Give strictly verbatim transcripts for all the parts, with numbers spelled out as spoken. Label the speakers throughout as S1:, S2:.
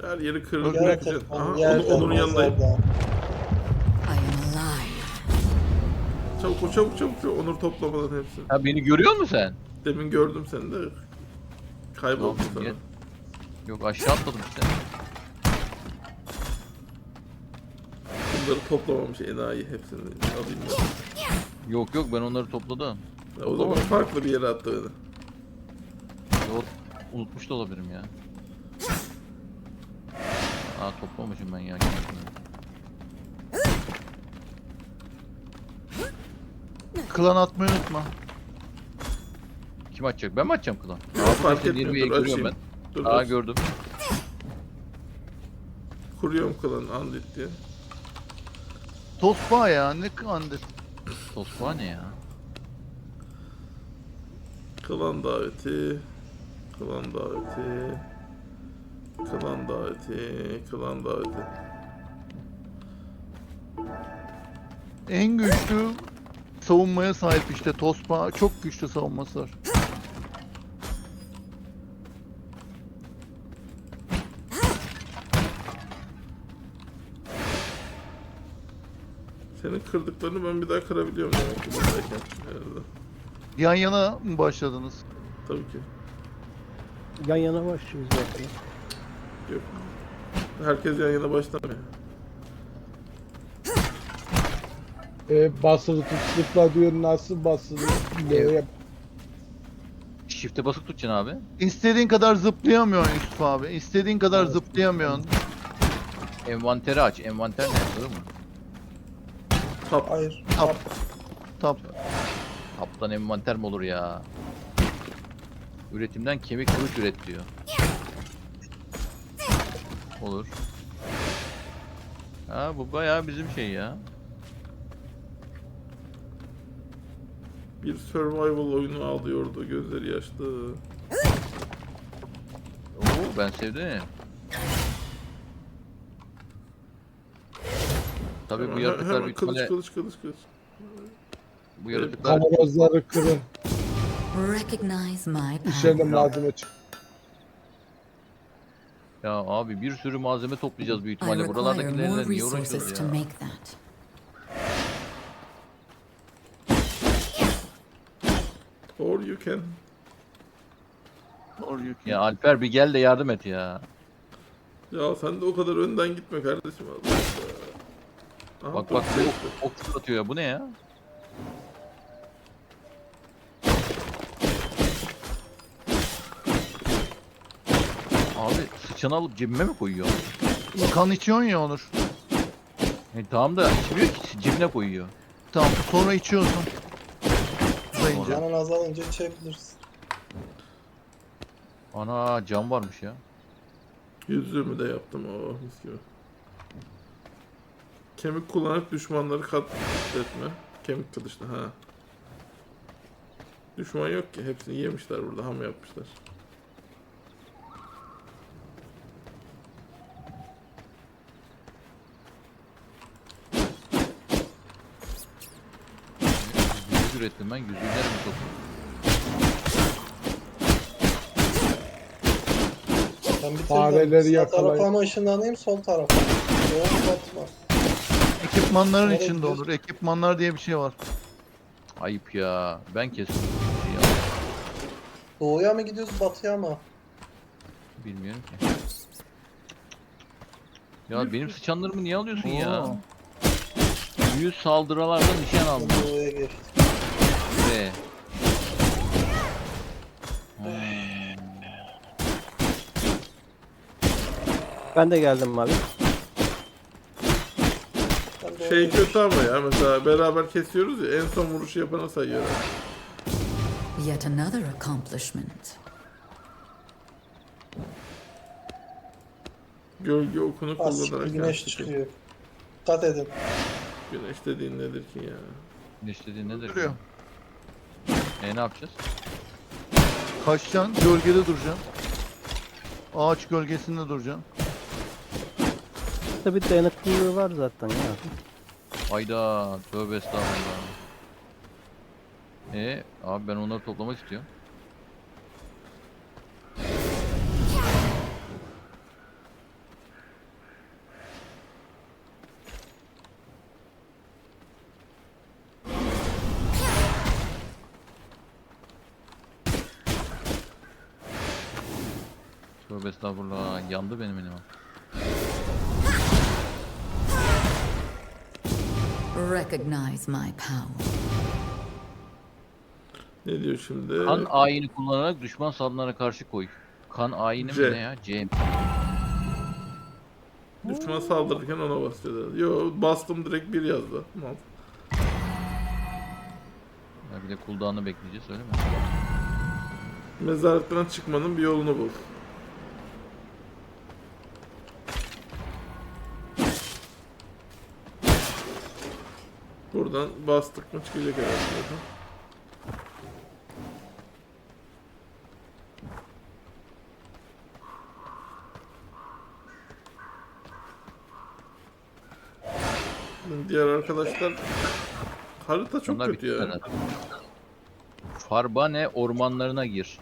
S1: Her yeri kırıp
S2: Yaratık,
S1: bırakacaksın. Aha, onu,
S2: yerden,
S1: onun yanındayım.
S2: mezardan.
S3: I am alive.
S1: Çabuk ol, çabuk çabuk çabuk. Onur toplamadan hepsini.
S4: Ha beni görüyor musun sen?
S1: Demin gördüm seni de. Kayboldum
S4: Tamam,
S1: sana.
S4: gel. Yok aşağı atladım işte.
S1: Bunları toplamamış enayi hepsini alayım ben.
S4: Yok yok ben onları topladım.
S1: Ya o zaman farklı bir yere attı beni.
S4: Yok unutmuş da olabilirim ya. Aa toplamışım ben ya.
S5: Klan atmayı unutma.
S4: Kim açacak? Ben mi açacağım klan?
S1: Ya, fark
S4: işte
S1: etmiyor,
S4: Nirvi'yi
S1: dur
S4: görüyorum
S1: açayım. Dur,
S4: Aa
S1: dur.
S4: gördüm.
S1: Kuruyorum klanı Andit diye.
S5: Tosba ya ne kandır.
S4: Tosba ne ya?
S1: Klan daveti. Klan daveti. Klan daveti. Klan daveti.
S5: En güçlü savunmaya sahip işte Tosba çok güçlü savunması var.
S1: Senin kırdıklarını ben bir daha kırabiliyorum demek ki buradayken herhalde.
S5: Yan yana mı başladınız?
S1: Tabii ki.
S6: Yan yana başlıyoruz zaten.
S1: Yok. Herkes yan yana başlamıyor.
S2: E, basılı tut, zıpla diyor, nasıl basılı? Böyle
S4: Shift'e basıp tutacaksın abi.
S5: İstediğin kadar zıplayamıyorsun Yusuf abi. İstediğin kadar zıplayamıyorsun.
S4: Envanteri aç. Envanter ne yapıyor mu?
S1: Tap.
S2: hayır.
S5: Tap. Tap.
S4: Kaptan envanter mi olur ya? Üretimden kemik kılıç üret diyor. Olur. Ha bu bayağı bizim şey ya.
S1: Bir survival oyunu ağlıyordu, gözleri yaşlı.
S4: Oo ben sevdim. Tabii bu
S1: Hemen-
S4: yaratıklar
S1: hemen
S4: büyük
S1: kılıç,
S4: ihtimalle
S1: kılıç kılıç kılıç.
S4: bu yaratıklar
S2: Kamerozları kırın.
S3: Recognize my
S2: İçeride
S3: power.
S2: malzeme çık.
S4: ya abi bir sürü malzeme toplayacağız büyük
S3: I
S4: ihtimalle.
S3: require
S4: Buralardakilerle
S3: more
S4: niye uğraşıyoruz
S3: resources to
S4: ya?
S3: make that.
S1: Or you can.
S5: Or you can-
S4: Ya Alper bir gel de yardım et ya.
S1: Ya sen de o kadar önden gitme kardeşim. Allah Allah. Aha,
S4: Bak
S1: dur.
S4: bak bu ok, ok fırlatıyor ya. Bu ne ya? Abi sıçanı alıp cebime mi koyuyor?
S5: Kan içiyorsun ya Onur.
S4: E, tamam da içmiyor ki cebine koyuyor.
S5: Tamam sonra içiyorsun. Uzayınca.
S2: Canın azalınca içebilirsin.
S4: Ana cam varmış ya.
S1: Yüzüğümü de yaptım o mis gibi. Kemik kullanıp düşmanları katletme. Kemik kılıçla ha. Düşman yok ki, hepsini yemişler burada, ham yapmışlar.
S4: Yüzük ürettim ben. Yüzüğü nereye topluyorum?
S2: Ben bitirdim.
S7: Fareleri
S2: Sağ
S7: yakalayın.
S2: tarafa mı ışınlanayım, sol tarafa mı? Doğru batma.
S5: Ekipmanların
S2: Nereye
S5: içinde
S2: gidiyoruz?
S5: olur. Ekipmanlar diye bir şey var.
S4: Ayıp ya. Ben kestim. Ya,
S2: Doğuya mı gidiyoruz, batıya mı?
S4: bilmiyorum ki. Ya benim sıçanlarımı niye alıyorsun ya?
S5: Oo.
S4: Yüz saldırılarda nişan aldım.
S2: Doğuya geçtik.
S4: Ve
S6: Ben de geldim abi.
S2: Ben doğuya
S1: Şey
S2: geçtim.
S1: kötü ama ya, mesela beraber kesiyoruz ya, en son vuruşu yapana sayıyorlar.
S3: Yet another accomplishment.
S1: Gölge okunu
S2: Az
S1: kullanarak
S2: güneş
S1: yansıtıyor.
S2: çıkıyor. Dikkat edin.
S1: Güneş dediğin nedir ki ya?
S4: güneş dediğin nedir?
S5: Duruyor.
S4: E ne yapacağız?
S5: Kaçacaksın, gölgede duracaksın. Ağaç gölgesinde duracaksın.
S6: Tabii dayanıklılığı var zaten ya.
S4: Hayda tövbe estağfurullah. E abi ben onları toplamak istiyorum. Tövbe estağfurullah. Yandı benim elim.
S3: Recognize my power.
S1: Ne diyor şimdi?
S4: Kan ayini kullanarak düşman saldırılara karşı koy. Kan ayini
S1: C.
S4: mi ne ya? C.
S1: Düşman saldırırken ona basıyor. Yo bastım direkt bir yazdı. Mal.
S4: Ya bir de cooldown'ı bekleyeceğiz öyle mi?
S1: Mezarlıktan çıkmanın bir yolunu bul. Buradan bastık mı çıkacak herhalde zaten. Diğer arkadaşlar harita çok
S4: Onlar
S1: kötü
S4: bitti
S1: ya.
S4: herhalde. Farbane ormanlarına gir.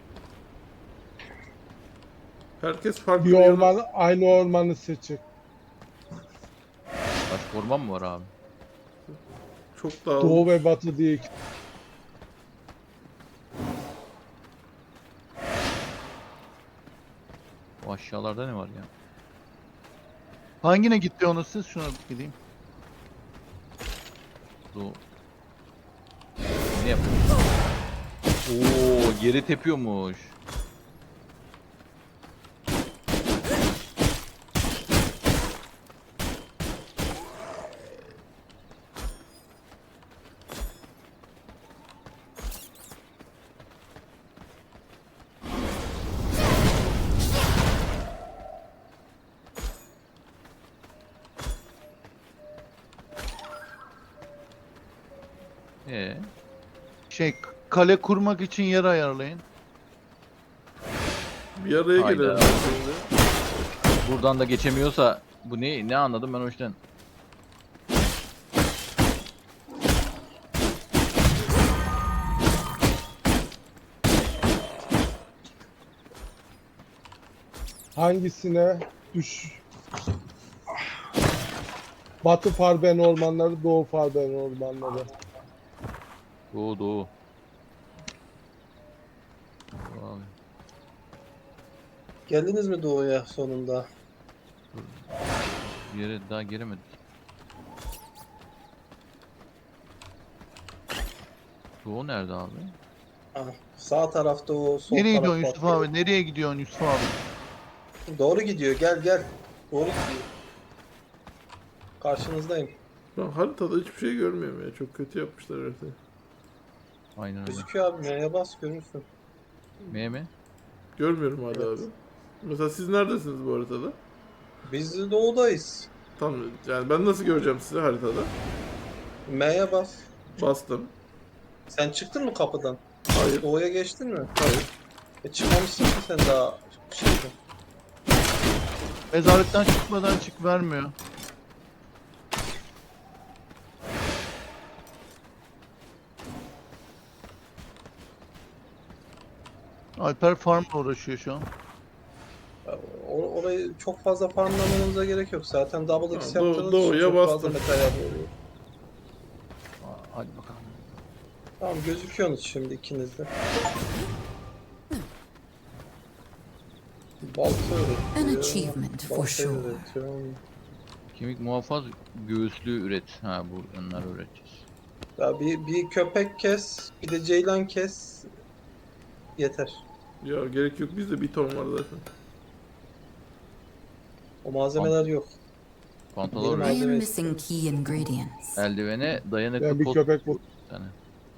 S1: Herkes farklı
S2: Bir
S1: bir yana-
S2: orman, aynı ormanı seçin.
S4: Başka orman mı var abi?
S1: çok dağılmış.
S2: Doğu ve batı diye iki.
S4: O aşağılarda ne var ya?
S5: Hangine gitti onu siz? Şuna bir gideyim.
S4: Doğu. Ne yapıyor? Oo, yeri tepiyormuş. Ee,
S5: Şey kale kurmak için yer ayarlayın.
S1: Bir araya
S4: Hayda.
S1: gelelim şimdi.
S4: buradan da geçemiyorsa bu ne ne anladım ben o işten.
S2: Hangisine düş? Batı Farben ormanları, Doğu Farben ormanları.
S4: Doğu doğu. Abi.
S7: Geldiniz mi doğuya sonunda?
S4: Bir yere daha giremedik. Doğu nerede abi?
S7: Ha, sağ tarafta o, sol
S5: Nereye
S7: taraf
S5: gidiyorsun Yusuf
S7: batı.
S5: abi? Nereye gidiyorsun Yusuf abi?
S7: Doğru gidiyor, gel gel. Doğru gidiyor. Karşınızdayım.
S1: Ben haritada hiçbir şey görmüyorum ya. Çok kötü yapmışlar haritayı.
S4: Aynen öyle.
S7: Gözüküyor abi, M'ye bas görürsün.
S4: M mi?
S1: Görmüyorum hala
S7: Evet.
S1: abi. Mesela siz neredesiniz bu haritada?
S7: Biz de doğudayız.
S1: Tam yani ben nasıl göreceğim sizi haritada?
S7: M'ye bas.
S1: Bastım.
S7: Sen çıktın mı kapıdan?
S1: Hayır.
S7: Doğuya geçtin mi?
S1: Hayır.
S7: E çıkmamışsın ki sen daha şeyden.
S5: Mezarlıktan çıkmadan çık vermiyor. Alper farmla uğraşıyor şu an.
S7: Or- orayı çok fazla farmlamanıza gerek yok. Zaten double X
S1: Ha, doğu-
S7: yaptığınız için
S1: doğuya
S7: çok fazla
S1: bastım.
S7: metal oluyor.
S4: Aa, hadi bakalım.
S7: Tamam gözüküyorsunuz şimdi ikiniz de. Balta üretiyor.
S3: An achievement for
S7: balta
S3: sure.
S7: üretiyor.
S4: Kemik muhafaz göğüslü üret. Ha bu onları üreteceğiz.
S7: Ya bir, bir köpek kes, bir de ceylan kes. Yeter.
S1: Ya gerek yok. Bizde bir ton var zaten.
S7: O malzemeler yok.
S4: Pantolon
S7: Benim
S3: I
S4: üret.
S3: am missing key ingredients.
S4: Eldivene dayanıklı
S2: Ben bir
S4: pot.
S2: köpek bu.
S4: Bir tane.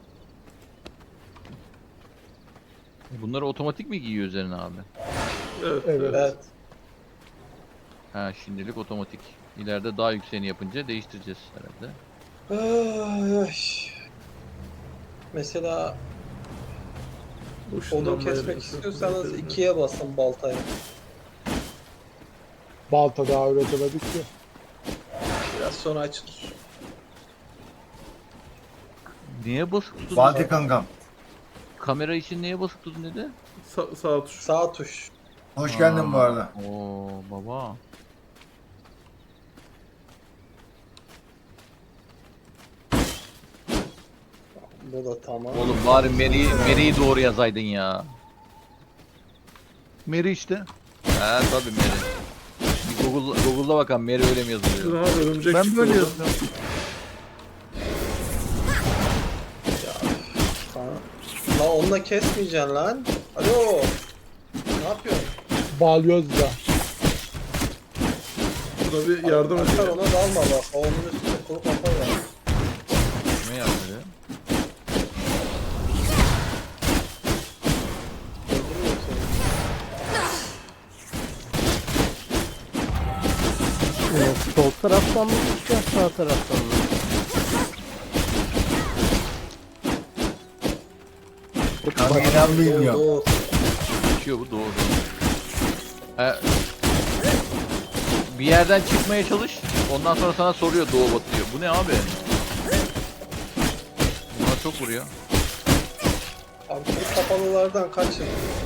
S4: Bunları otomatik mi giyiyor üzerine abi?
S1: Evet.
S2: Evet.
S1: evet.
S7: Evet.
S4: Ha şimdilik otomatik. İleride daha yükseğini yapınca değiştireceğiz herhalde.
S7: Ay, ay. Mesela
S1: Bu
S7: odun
S1: ışınlanma
S7: kesmek
S1: yerini
S7: istiyorsanız
S1: sırtına
S7: ikiye basın baltaya.
S2: Balta daha üretemedik ki.
S7: Biraz sonra açılır.
S4: Niye basık tutun?
S8: Fatih kankam.
S4: Kamera için niye basık tutun dedi?
S1: Sa- sağ tuş.
S7: Sağ tuş.
S8: Hoş geldin bu arada.
S4: Oo baba.
S7: Bu da tamam.
S4: Oğlum bari Mary'i Mary'i doğru yazaydın ya.
S5: Meri işte.
S4: Ha tabii Mary. Bir Google, Google'da bakalım Mary öyle mi yazılıyor?
S1: Şuna örümcek
S5: Ben
S1: çıktı
S5: böyle
S1: oradan.
S5: yazıyorum.
S7: Lan onunla kesmeyeceksin lan. Alo. Ne yapıyorsun?
S2: Balyozla.
S1: Buna bir yardım
S7: Alper
S1: ediyor.
S7: ona dalma bak. O onun üstüne kuru kafa var.
S4: Kime yardım ediyor?
S7: Öldürüyor seni.
S6: Ee, sol taraftan mı çıkacağız, sağ taraftan mı?
S8: Kameraman bilmiyorum.
S7: Doğru.
S4: Geçiyor bu doğru. Ha, bir yerden çıkmaya çalış. Ondan sonra sana soruyor doğu batı diyor. Bu ne abi? Bunlar çok vuruyor.
S7: Abi bu kapalılardan kaçın.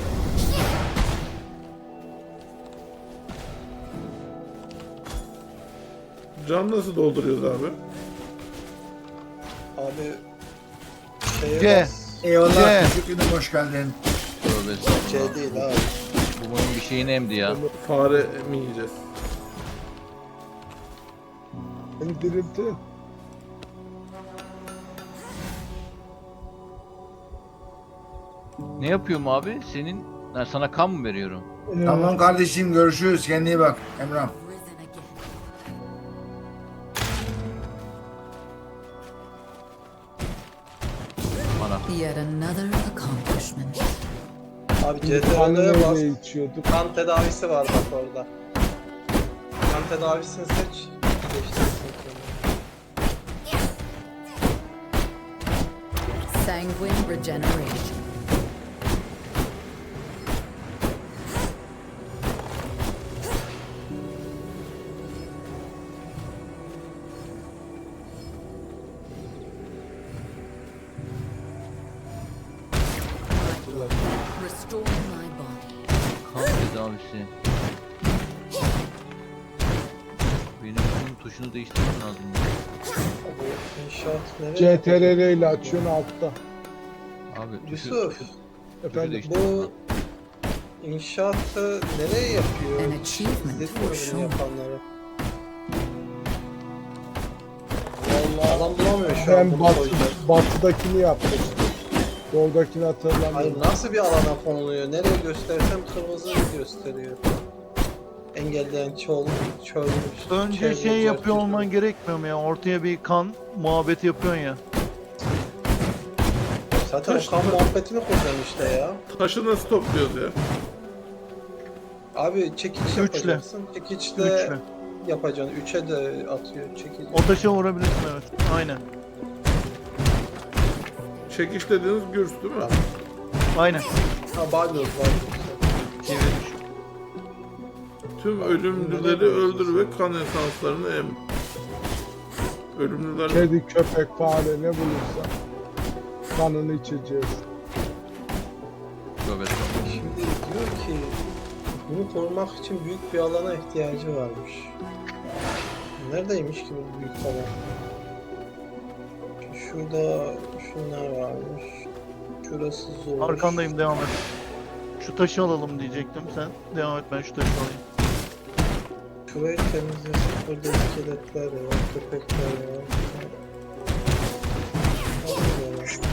S1: Can nasıl dolduruyoruz abi?
S7: Abi şeye
S5: C.
S7: bas.
S8: Eyvallah.
S5: C.
S8: Teşekkür ederim. Hoş geldin.
S4: Tövbe estağfurullah.
S7: C değil abi.
S4: Bu bunun bir şeyini emdi ya.
S1: Bunu fare mi yiyeceğiz?
S2: Beni diriltin.
S4: Ne yapıyorum abi? Senin ben sana kan mı veriyorum?
S2: Ee,
S8: Tamam kardeşim görüşürüz. Kendine iyi bak. Emrah.
S3: Risen again.
S4: Bana.
S3: Yet another accomplishment.
S7: Abi
S2: Kanı
S7: C T R'ye bas.
S2: neyle içiyorduk?
S7: Kan tedavisi var bak orada. Kan tedavisini seç. Değiştirsin kendini.
S3: Sanguine regeneration. Restore my body.
S4: Kan tedavisi. Benim bunun tuşunu değiştirmem lazım.
S7: Abi inşaat nereye?
S2: C T R L ile açıyorsun altta.
S4: Abi tuşu,
S7: Yusuf,
S4: tuşu
S2: Efendim
S4: değiştir.
S7: bu inşaatı nereye yapıyor?
S3: An achievement
S7: İzledin mi
S3: for
S7: bunu
S3: sure.
S7: yapanları? Vallahi adam bulamıyor şu an
S2: Ben
S7: bunu
S2: batı,
S7: koyacak.
S2: batıdakini yaptım. Doğudakini
S7: Hayır
S2: hatırlamıyorum.
S7: nasıl bir alana konuluyor? Nereye göstersem kırmızı gösteriyor. Engelleyen çol, çölmüş.
S5: Önce
S7: çevre,
S5: şey yapıyor
S7: çevre.
S5: olman gerekmiyor mu ya? Ortaya bir kan muhabbeti yapıyorsun ya.
S7: Zaten o kan muhabbetini kuracağım işte ya.
S1: Taşı nasıl topluyoruz ya?
S7: Abi çekiç
S5: Üçle.
S7: yapacaksın. Çekiçle
S5: Üçle.
S7: yapacaksın. Üçe de atıyor çekiç.
S5: O taşa vurabilirsin evet. Aynen.
S1: Çekiş dediğiniz gürs değil mi?
S5: Aynen.
S7: Ha balyoz balyoz.
S5: Çevirmiş.
S1: Tüm ölümlüleri öldür ve kan esanslarını em. Ölümlüler
S2: Kedi, köpek, fare ne bulursa kanını içeceğiz.
S4: Tövbe estağfurullah.
S7: Şimdi diyor ki bunu korumak için büyük bir alana ihtiyacı varmış. Neredeymiş ki bu büyük alan? Şurada şunlar varmış. Şurası zor.
S5: Arkandayım devam et. Şu taşı alalım diyecektim sen. Devam et ben şu taşı alayım.
S7: Şurayı temizlesin. Burada iskeletler de var, köpekler de var. Allah Allah.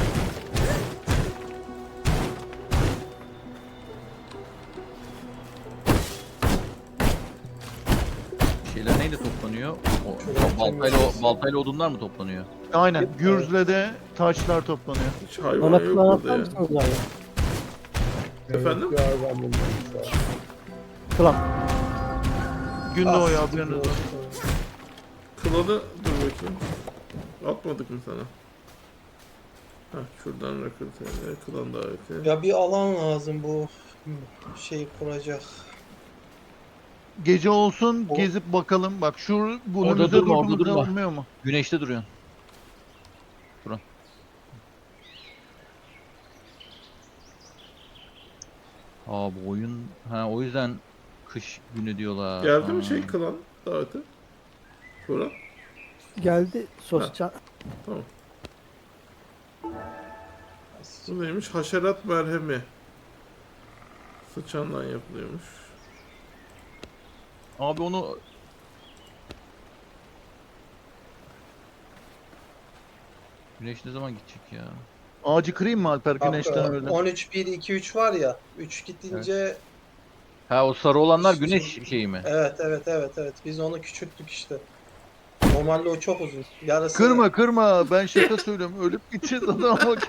S4: Şeyler neyle toplanıyor? O,
S7: Şöyle
S4: baltayla,
S7: temizlesin.
S4: baltayla odunlar mı toplanıyor?
S5: Aynen. Gürzle de taşlar toplanıyor.
S1: hiç hayvan
S6: Bana
S1: yok
S6: plan
S1: burada
S6: atar
S1: ya.
S6: mısınız abi?
S1: Efendim?
S2: Evet, bir hayvan bulmamız lazım.
S6: Klan.
S5: Gün
S7: Ah,
S5: doğuyor haberiniz olsun.
S1: Kılanı dur bakayım. Atmadık mı sana? Heh, şuradan rekruteye, kılan daveti.
S7: Ya bir alan lazım bu şeyi kuracak.
S5: Gece olsun
S7: O-
S5: gezip bakalım. Bak şu bu
S4: Orada
S5: önümüzde
S4: durma, orada
S5: durduğumuzda
S4: durma.
S5: olmuyor mu?
S4: Güneşte duruyorsun. Durun. Aa bu oyun ha o yüzden kış günü diyorlar.
S1: Geldi
S4: Ha.
S1: mi şey kılan daveti? Şura.
S6: Geldi sosyal.
S1: Tamam. Bu neymiş? Haşerat merhemi. Sıçandan yapılıyormuş.
S4: Abi onu Güneş ne zaman gidecek ya?
S5: Ağacı kırayım mı Alper
S7: Bak,
S5: güneşten
S7: e,
S5: öyle?
S7: on üç bir iki üç var ya. üç gidince
S4: Ha o sarı olanlar güneş şeyi mi?
S7: evet evet evet evet biz onu küçülttük işte. Normalde o çok uzun. Yarısı
S5: Kırma kırma ben şaka söylüyorum ölüp gideceğiz adam bak.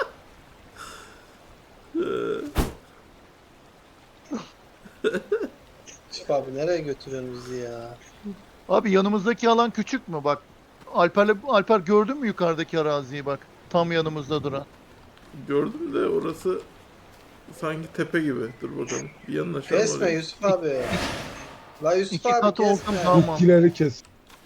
S7: Yusuf abi nereye götürüyorsun bizi ya?
S5: Abi yanımızdaki alan küçük mü bak. Alper'le Alper gördün mü yukarıdaki araziyi bak. Tam yanımızda duran.
S1: Gördüm de orası sanki tepe gibi. Dur bakalım. Bir yanaşalım
S7: Kesme
S1: oraya.
S7: Yusuf abi. La Yusuf
S5: İki
S7: abi
S5: katı olsam
S7: kesme.
S5: tamam.
S2: Bitkileri kes.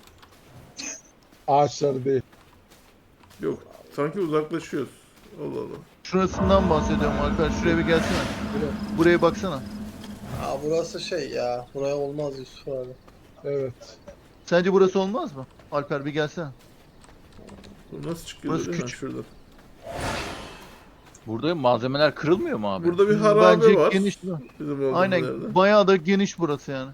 S2: Ağaçları değil.
S1: Yok. Sanki uzaklaşıyoruz. Allah Allah.
S5: Şurasından bahsediyorum Alper. Şuraya bir gelsene. Buraya baksana.
S7: Aa burası şey ya. Buraya olmaz Yusuf abi.
S2: Evet.
S5: Sence burası olmaz mı? Alper bir gelsene.
S1: Bu nasıl çıkıyor?
S5: Burası
S1: değil mi?
S5: küçük.
S1: Şuradan.
S4: Burada malzemeler kırılmıyor mu abi?
S1: Burada bir harabe
S5: Bence
S1: var.
S5: geniş.
S1: Bizim olduğumuz
S5: Aynen
S1: yerde.
S5: bayağı da geniş burası yani.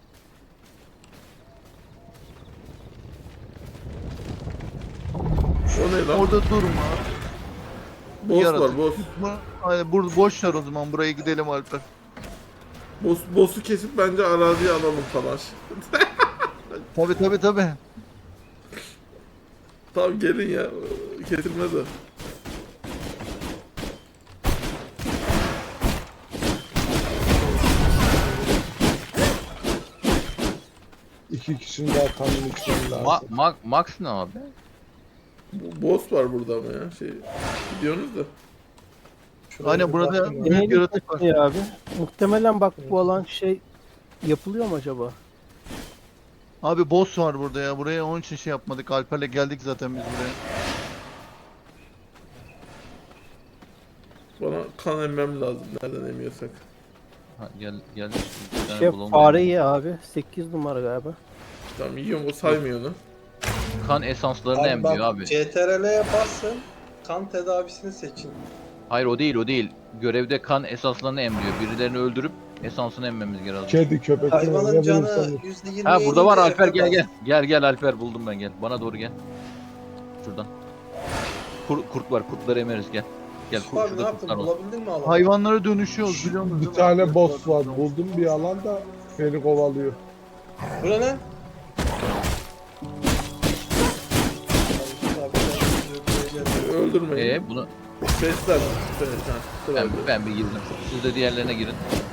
S1: O ne lan?
S5: Orada durma.
S1: Boss
S5: yaratık.
S1: var boss.
S5: Bu- Aynen bur boş ver o zaman buraya gidelim Alper.
S1: Boss, boss'u kesip bence araziye alalım falan.
S5: Tabi tabi tabi.
S1: Tamam gelin ya. Kesilmez o.
S2: İki kişinin daha kanını içmem lazım.
S4: Ma ma Max ne abi?
S1: Bu boss var burada ama ya. Şey, gidiyorsunuz da.
S7: Şuraya
S5: Aynen
S7: bir
S5: burada
S7: bakayım ya.
S5: büyük
S6: Neydi
S5: yaratık var.
S6: ya abi? Muhtemelen bak bu alan şey yapılıyor mu acaba?
S5: Abi boss var burada ya. Buraya onun için şey yapmadık. Alper'le geldik zaten biz buraya.
S1: Bana kan emmem lazım. Nereden emiyorsak.
S4: Ha, gel gel. Bir tane
S6: Şey
S4: bulalım.
S6: fareyi abi. sekiz numara galiba.
S1: Tamam yiyorum o saymıyor onu.
S4: Kan esanslarını
S7: Abi
S4: emmiyor
S7: bak
S4: abi.
S7: C T R L'ye basın. Kan tedavisini seçin.
S4: Hayır o değil o değil. Görevde kan esanslarını emmiyor. Birilerini öldürüp esansını emmemiz lazım.
S2: Kedi köpek.
S7: Hayvanın
S2: ne
S7: canı
S2: bulursan-
S7: yüzde yirmi.
S4: Ha burada var Alper gel gel. Gel gel Alper buldum ben gel. Bana doğru gel. Şuradan. Kur- kurt var kurtları emeriz gel. Gel
S7: Yusuf
S4: kurt,
S7: abi ne
S4: şurada
S7: yaptın?
S4: kurtlar var.
S7: Bulabildin mi alanı?
S5: Hayvanlara dönüşüyoruz biliyor musun?
S2: Bir tane boss var. Buldum bir alanda beni kovalıyor.
S7: Bu ne lan? Yusuf abi, ben öldüreceğim.
S1: Öldürmeyin.
S4: Ee bunu
S1: Besler. Besler. Ha,
S4: ben,
S1: sırayla.
S4: ben bir girdim. Siz de diğerlerine girin.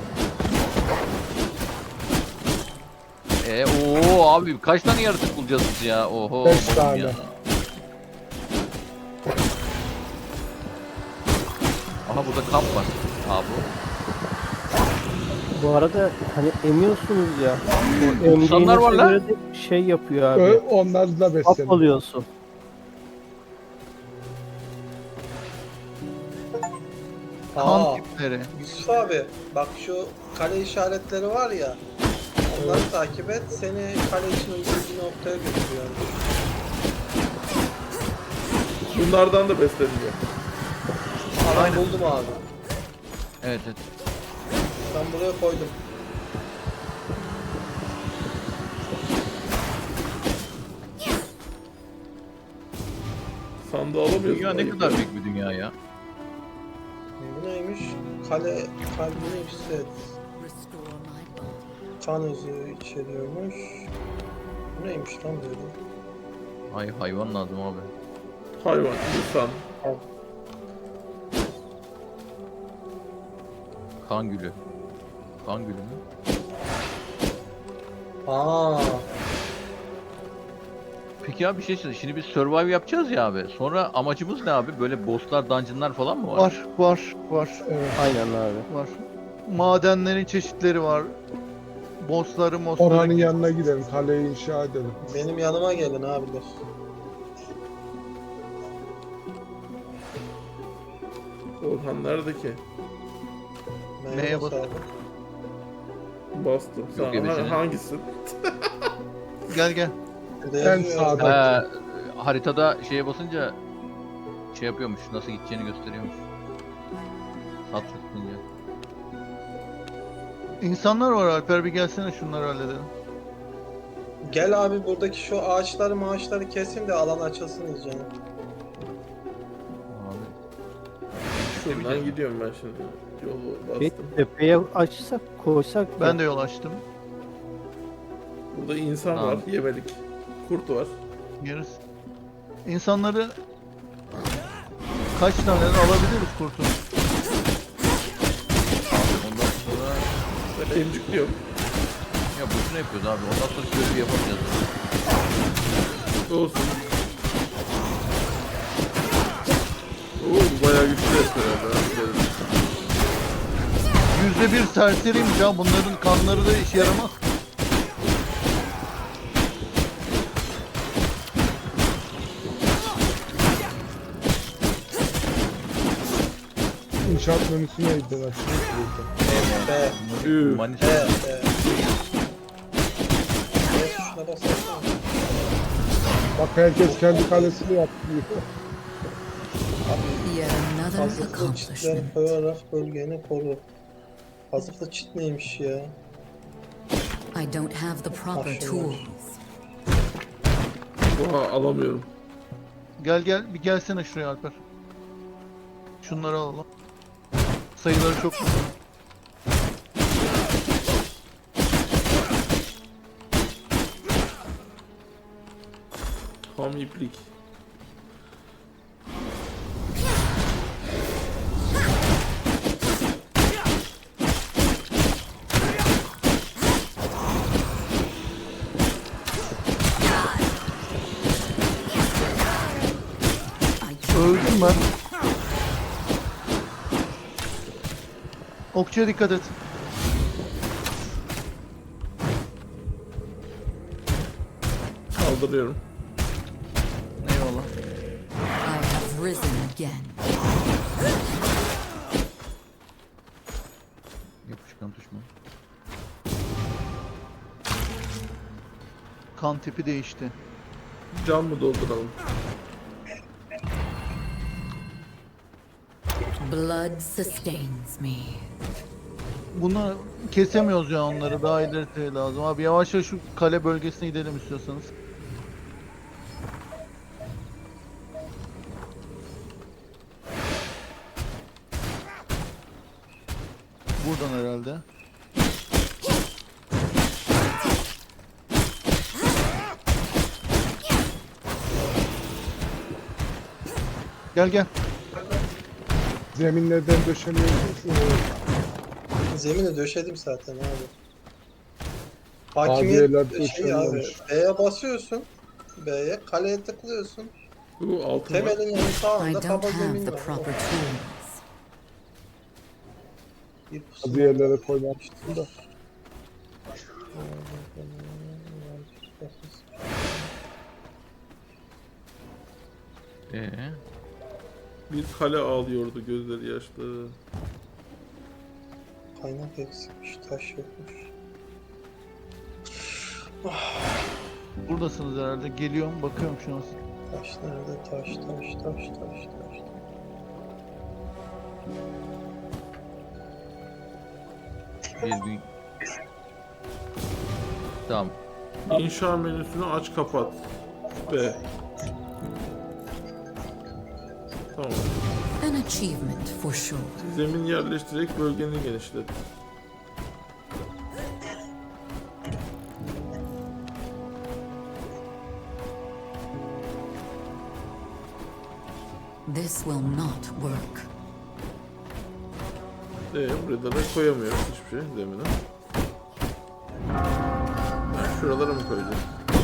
S4: Ee ooo abi kaç tane yaratık bulacağız biz ya? Oho.
S2: Beş
S4: oğlum
S2: tane.
S4: ya. Aha burada kamp var. Aa bu.
S6: Bu arada hani emiyorsunuz ya. O
S4: İnsanlar var
S6: emdiğinize
S4: lan.
S6: göre de şey yapıyor
S2: Ö,
S6: abi.
S2: onlar da
S6: Hap
S2: besleniyor.
S6: alıyorsun.
S5: Kan
S7: Aa,
S5: tipleri.
S7: Yusuf abi bak şu kale işaretleri var ya. Onları takip et. Seni kale için uygun bir noktaya götürüyor.
S1: Bunlardan da besleniyor.
S7: Alan buldum abi.
S4: Evet evet.
S7: Ben buraya koydum.
S1: Sandığı alamıyorsun.
S4: Dünya ne
S1: ayıp
S4: kadar
S1: ya.
S4: büyük bir dünya ya.
S7: Bu neymiş? Kale kalbini yükselt.
S3: Restore my body.
S7: Kan özü içeriyormuş. Bu neymiş lan böyle?
S4: Ay hayvan lazım abi.
S1: Hayvan, insan.
S4: Kan gülü. Kan gülü mü?
S7: Aa,
S4: Peki abi bir şey söyle. Şimdi biz survive yapacağız ya abi. Sonra amacımız ne abi? Böyle bosslar, dungeonlar falan mı var?
S5: Var var var
S2: Evet.
S6: Aynen abi.
S5: var. Madenlerin çeşitleri var. Bossları, mossları.
S2: Orhan'ın yanına gidelim. Kaleyi inşa edelim.
S7: benim yanıma gelin abiler.
S1: Orhan nerede ki?
S5: Neye
S7: bas
S5: bas-
S7: abi?
S1: Bastım. Sen
S4: ebesini.
S1: ha- hangisi?
S5: Gel gel.
S7: Burada
S2: En
S7: yazıyor.
S2: sağda.
S4: Ha, haritada şeye basınca şey yapıyormuş. Nasıl gideceğini gösteriyormuş. Sağ tıklayınca.
S5: İnsanlar var Alper bir gelsene şunları halledelim.
S7: Gel abi buradaki şu ağaçları maaşları kesin de alan açılsın iyice.
S4: Abi.
S1: Şuradan gidiyorum ben şimdi. Yolu
S6: Bir
S1: bastım.
S6: tepeye açsak koysak
S5: Ben
S6: ya.
S5: de yol açtım.
S1: Burada insan
S4: Tamam.
S1: var, yemelik. Kurt var.
S5: Yeriz. İnsanları kaç tane alabiliriz kurtun?
S4: Ondan sonra
S1: Ben emcikliyorum.
S4: ya boşuna yapıyoruz abi. Ondan sonra görevi yapamayacağız.
S1: Olsun. Oo, bu bayağı güçlü yapıyor herhalde.
S5: Yüzde bir serseriymiş ha. Bunların kanları da işe yaramaz.
S2: İnşaat menüsüne gittiler.
S7: Be.
S1: Üf.
S4: Manisa.
S7: Be. Be. Be tuşuna basarsana.
S2: Bak herkes kendi kalesini yaptı.
S3: Yet another
S7: Hazırlıklı çitler
S3: accomplishment.
S7: koyarak bölgeni koru. Hazırlıklı çit neymiş ya?
S3: I don't have the proper
S7: Maşallah.
S3: tools.
S1: Oha, alamıyorum.
S5: Gel gel bir gelsene şuraya Alper. Şunları alalım. Sayıları çok mu?
S1: Ham iplik.
S5: Öldüm ben. Okçuya dikkat et.
S1: Kaldırıyorum.
S5: Eyvallah.
S3: I have risen again.
S4: Yapışkan düşman.
S5: Kan tipi değişti.
S1: Can mı dolduralım?
S3: Blood sustains me.
S5: Bunu kesemiyoruz ya onları. Daha ileri lazım. Abi yavaş yavaş şu kale bölgesine gidelim istiyorsanız. Buradan herhalde. Gel gel.
S2: Zeminlerden döşeniyoruz.
S7: Zemini döşedim zaten abi.
S2: Tabiyeler
S7: Hakimiyet şey abi.
S2: döşeniyormuş.
S7: B'ye basıyorsun. B'ye kaleye tıklıyorsun.
S1: Bu altın var.
S7: Temelin yanı
S3: I
S7: sağında
S3: don't
S7: kaba
S3: have
S7: zemin
S3: the
S7: var.
S3: proper tools.
S7: Bir pusu-
S2: Bazı yerlere koymamıştım da.
S4: Ee,
S1: Bir kale ağlıyordu, gözleri yaşlı.
S7: Kaynak eksikmiş, taş yokmuş.
S5: Buradasınız herhalde. Geliyorum bakıyorum şu an.
S7: Taş nerede? Taş, taş, taş, taş, taş.
S4: bir gün. Tamam.
S1: İnşa menüsünü aç kapat. B. Tamam.
S3: An achievement for sure.
S1: Zemin yerleştirerek bölgeni genişlet.
S3: This will not work.
S1: Ee, burada da koyamıyoruz hiçbir şey zemine. Ha, şuralara mı koyacağız?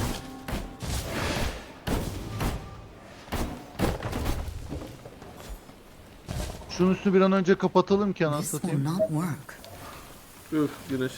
S5: Şunun üstünü bir an önce kapatalım ki anasını
S3: This will
S5: satayım.
S3: not work.
S1: Üf, güneş.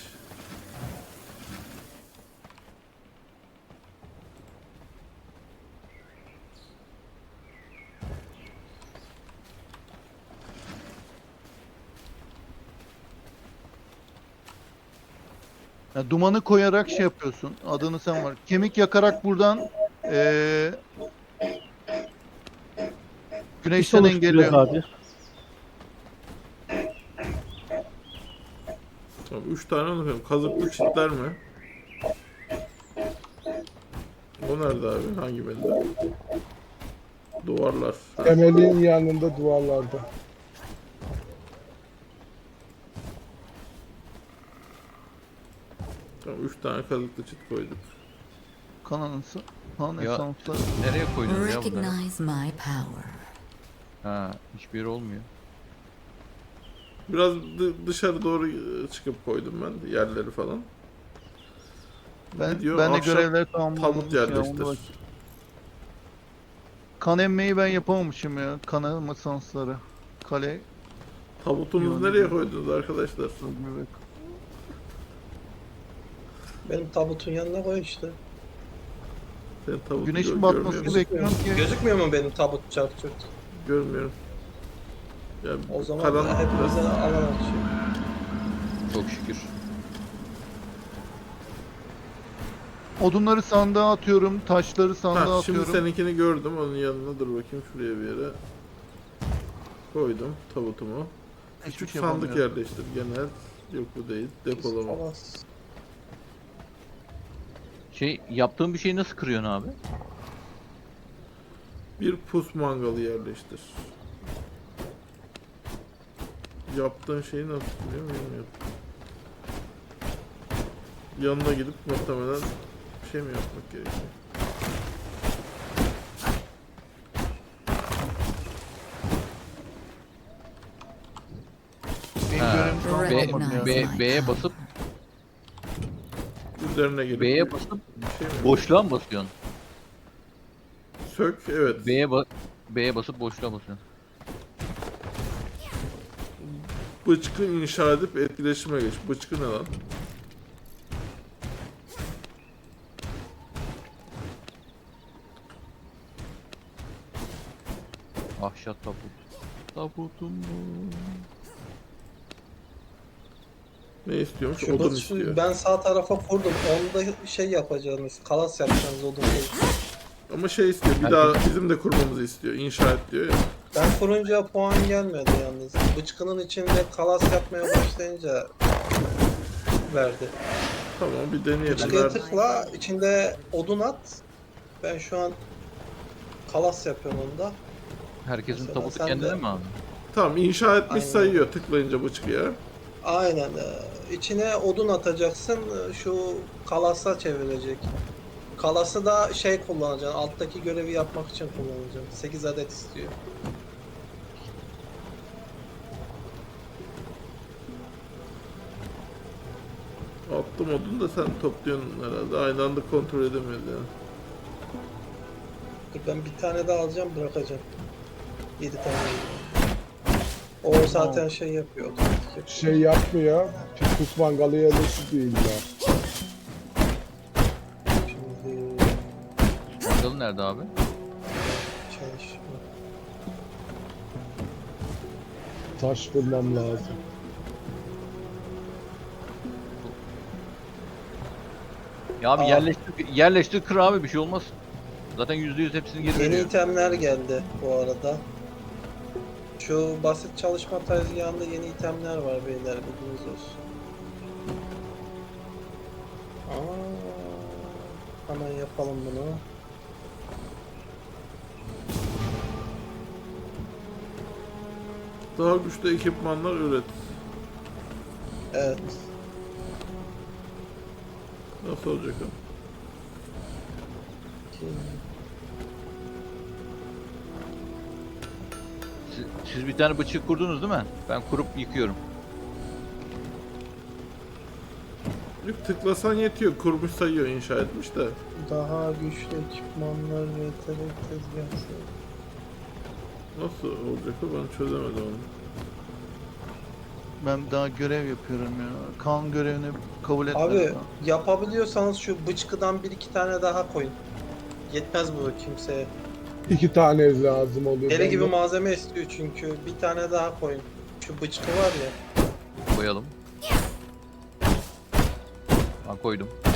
S5: Ya dumanı koyarak şey yapıyorsun. Adını sen var. Kemik yakarak buradan eee güneşten
S6: oluşturuyoruz
S5: engelliyor.
S6: abi.
S1: Tamam, üç tane onu koyalım. Kazıklı çitler mi? O nerede abi? Hangi bende? Duvarlar. Ha,
S2: Temelin yanında duvarlarda.
S1: tamam, üç tane kazıklı çit koyduk.
S5: Kan anası. Kan
S4: Ya-
S5: esansları.
S4: Nereye koydunuz ya bunları?
S3: Recognize my power.
S4: Ha, hiçbir yer olmuyor.
S1: Biraz dı- dışarı doğru e, çıkıp koydum ben yerleri falan.
S5: Ben,
S1: Gidiyor,
S5: ben de
S1: ahşap
S5: görevler tamamlamış
S1: Tabut
S5: ya.
S1: yerleştir.
S5: Ona bak. Kan emmeyi ben yapamamışım ya. Kan emme esansları. Kale.
S1: Tabutumuzu
S5: Yok,
S1: nereye
S5: yok.
S1: koydunuz arkadaşlar?
S5: Evet.
S7: Benim tabutun yanına koy işte.
S1: Sen tabutu
S5: Güneşin
S1: gö-
S5: batmasını
S1: görmüyor musun?
S5: bekliyorum ki.
S7: Gözükmüyor mu benim tabut çarp çurt?
S1: Görmüyorum. Ya
S7: O zaman
S1: karanlık
S7: hepimize
S1: biraz.
S7: alan açıyor.
S4: Çok şükür.
S5: Odunları sandığa atıyorum. Taşları sandığa
S1: Ha, şimdi
S5: atıyorum.
S1: seninkini gördüm. Onun yanına dur bakayım şuraya bir yere. Koydum tabutumu.
S5: Hiçbir
S1: Küçük
S5: şey
S1: sandık
S5: yapamıyorum.
S1: yerleştir genel. Yok bu değil. Depolama.
S7: Kalas.
S4: Şey, yaptığın bir şeyi nasıl kırıyorsun abi?
S1: Bir pus mangalı yerleştir. Yaptığın şeyi nasıl biliyor muyum? Bilmiyorum. Yanına gidip muhtemelen bir şey mi yapmak gerekiyor?
S5: Benim
S4: Ha,
S5: görevim
S3: B-
S5: tamamlamadım
S4: B,
S5: ya.
S3: my
S4: B'ye
S3: power.
S4: basıp
S1: Üzerine gelip
S4: B'ye
S1: bir
S4: basıp
S1: şey mi?
S4: boşluğa mı basıyorsun?
S1: Sök, evet.
S4: B'ye ba B'ye basıp boşluğa basıyorsun.
S1: Bıçkı inşa edip etkileşime geç. Bıçkı ne lan?
S4: Ahşat tabut. Tabutum bu.
S1: Ne istiyormuş?
S7: Şu
S1: Odun
S7: bıç-
S1: istiyor.
S7: ben sağ tarafa kurdum. Onda şey yapacaksınız. Kalas yapacaksınız odun değil.
S1: Ama şey istiyor. Bir daha bizim de kurmamızı istiyor. İnşa et diyor ya.
S7: Ben kurunca puan gelmedi yalnız. Bıçkının içinde kalas yapmaya başlayınca verdi.
S1: Tamam bir deneyelim.
S7: Bıçkıya
S1: Ver.
S7: tıkla, içinde odun at. Ben şu an kalas yapıyorum onda.
S4: Herkesin
S7: Mesela
S4: tabutu
S7: sen
S4: kendine
S7: de-
S4: mi abi?
S1: Tamam inşa etmiş
S7: Aynen.
S1: sayıyor tıklayınca bıçkıya.
S7: Aynen. e, İçine odun atacaksın. e, Şu kalasa çevirecek. Kalası da şey kullanacaksın. Alttaki görevi yapmak için kullanacaksın. sekiz adet istiyor.
S1: Attım odun da sen topluyorsun herhalde. Aynı anda kontrol edemiyoruz yani.
S7: Dur ben bir tane daha alacağım, bırakacağım. yedi tane alacağım. O zaten şey yapıyor. otomatik yapıyor.
S2: Şey yapmıyor. Pus mangalı yerleştir diyor illa.
S7: Şimdi
S4: Mangalı nerede abi?
S7: çalışma.
S2: Taş bulmam lazım.
S4: Ya abi
S7: Aa.
S4: yerleştir, yerleştir kır abi bir şey olmaz. Zaten yüzde yüz hepsini geri
S7: Yeni
S4: veriyor.
S7: itemler geldi bu arada. Şu basit çalışma tezgahında yeni itemler var beyler, bilginiz olsun. Aa, hemen yapalım bunu.
S1: Daha güçlü ekipmanlar üret.
S7: Evet.
S1: Nasıl olacak o?
S4: Siz, siz bir tane bıçak kurdunuz değil mi? Ben kurup yıkıyorum.
S1: Yok, tıklasan yetiyor. Kurmuş sayıyor inşa etmiş de.
S7: Daha güçlü ekipmanlar ve yetenek tezgahı.
S1: Nasıl olacak o ben çözemedim onu.
S5: Ben daha görev yapıyorum ya. Kan görevini kabul etmedim.
S7: Abi
S5: ya.
S7: yapabiliyorsanız şu bıçkıdan bir iki tane daha koyun. Yetmez bu kimseye.
S2: İki tane lazım oluyor.
S7: Deli
S2: Ben
S7: gibi
S2: de-
S7: malzeme istiyor çünkü. Bir tane daha koyun. Şu bıçkı var ya.
S4: Koyalım. Ben koydum.